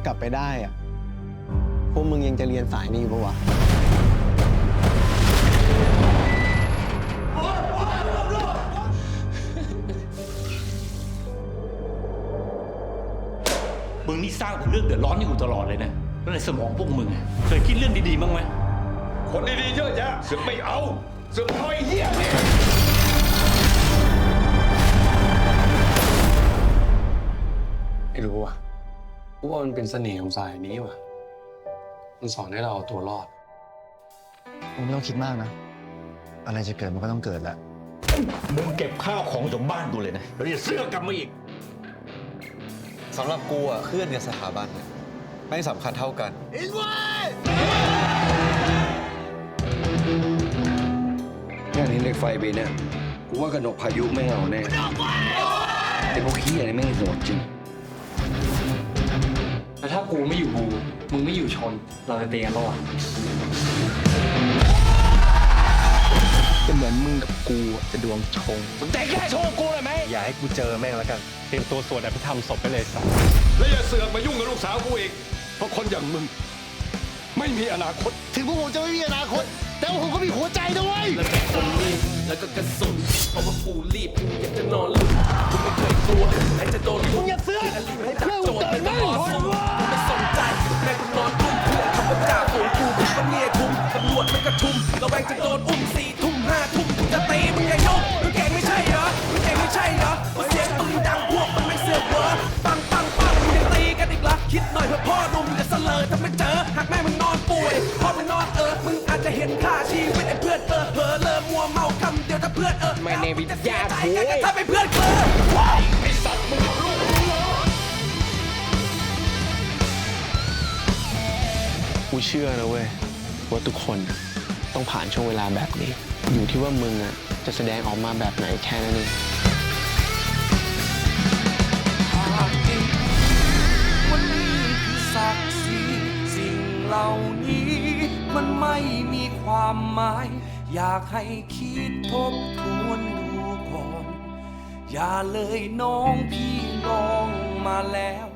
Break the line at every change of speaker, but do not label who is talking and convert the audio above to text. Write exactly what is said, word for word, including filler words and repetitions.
ากลับไปได้อะพวกมึงยังจะเรียนสายนี้อยู่ปะวะ
มึงนี่สร้างแต่เรื่องเดือดร้อนให้กูตลอดเลยนะแล้วในสมองพวกมึงเคยคิดเรื่องดีๆบ้างไหมคนดีๆเยอะแยะเสือกไม่เอาเสือกเอาไอ้เหี้ยเนี่ย
ไม่รู้ว่ะกูว่ามันเป็นเสน่ห์ของสายนี้ว่ะมันสอนให้เราเอาตัวรอด
มึงไม่ต้องคิดมากนะอะไรจะเกิดมันก็ต้องเกิดแหละ
มึงเก็บข้าวของจากบ้านกูเลยนะแล้วอย่าเสื้อกลับมาอีก
สำหรับกูอ่ะเพื่อนกับสถาบันเนี่ยไม่สำคัญเท่ากัน
งานนี้เหล็กไฟไปเนี่ยกูว่ากระหนกพายุไม่เอาแน่ไอ้พวกขี้อะไรไม่โหดจริง
แต่ถ้ากูไม่อยู่บูมึงไม่อยู่ชนเราจะเตีกันรอด
จะเหมือนมึงกับกูจะดวงชง
มึงแต่แค่โชว์กูเลยไหม
อย่าให้กูเจอแม่งแล้วกันเตรียมตัวสวดอภิธรรมศพไปเลยสัส
แล้วอย่าเสือกมายุ่งกับลูกสาวกูอีกเพราะคนอย่างมึงไม่มีอนาคต
ถึงพวกผมจะไม่มีอนาคตแต่ผมก็มีหัวใจด้วย
แล้วก็คนรีบแล้วก็กระสุนเพราะว่ากูรีบกูอยากจะนอนหลับกูไม่เคยกลัวใครจะโดนลุกอย่าเสือกให้จับโจทย์ไม่ต้องรอสู้กูไม่สนใจแม่กูนอนดุ้มเพื่อนขับรถจ่าฝูงกูมันเนี่ยคุ้มตำรวจมันกระชุมระแวงจะโดนอุ้มสี่ทุ่มห้าทุ่มกูจะตีมึงอย่ายกมึงเก่งไม่ใช่เหรอมึงเก่งไม่ใช่เหรอว่าเสียงปืนดังพวกมันไม่เสือกเหรอปังปังปังมึงยังตีกันอีกเหรอคิดหน่อยเพื่อพ่อหนุ่มจะเสลอถ้าไม่เจอหากแม่มึงนอนป่วยพ่อมึงนอนเออมึงอาจจะเห็นค่าชีวิตไอ้เพื่อนเออเผลอเลอมัวเมาคำเดียวถ้าเพื่อนเออไม่ในวิทยาโว้ยถ้าเป็นเพื่อนเออไอ้สัตว์มึงเอาลูกมึงเหรอ
กูเชื่อนะเว้ยว่าทุกคนต้องผ่านช่วงเวลาแบบนี้อยู่ที่ว่ามึงอ่ะจะแสดงออกมาแบบไหนแค่นั้นเอง
วันนี้คือศักดิ์ศรีสิ่งเหล่านี้มันไม่มีความหมายอยากให้คิดทบทวนดูก่อนอย่าเลยน้องพี่ลองมาแล้ว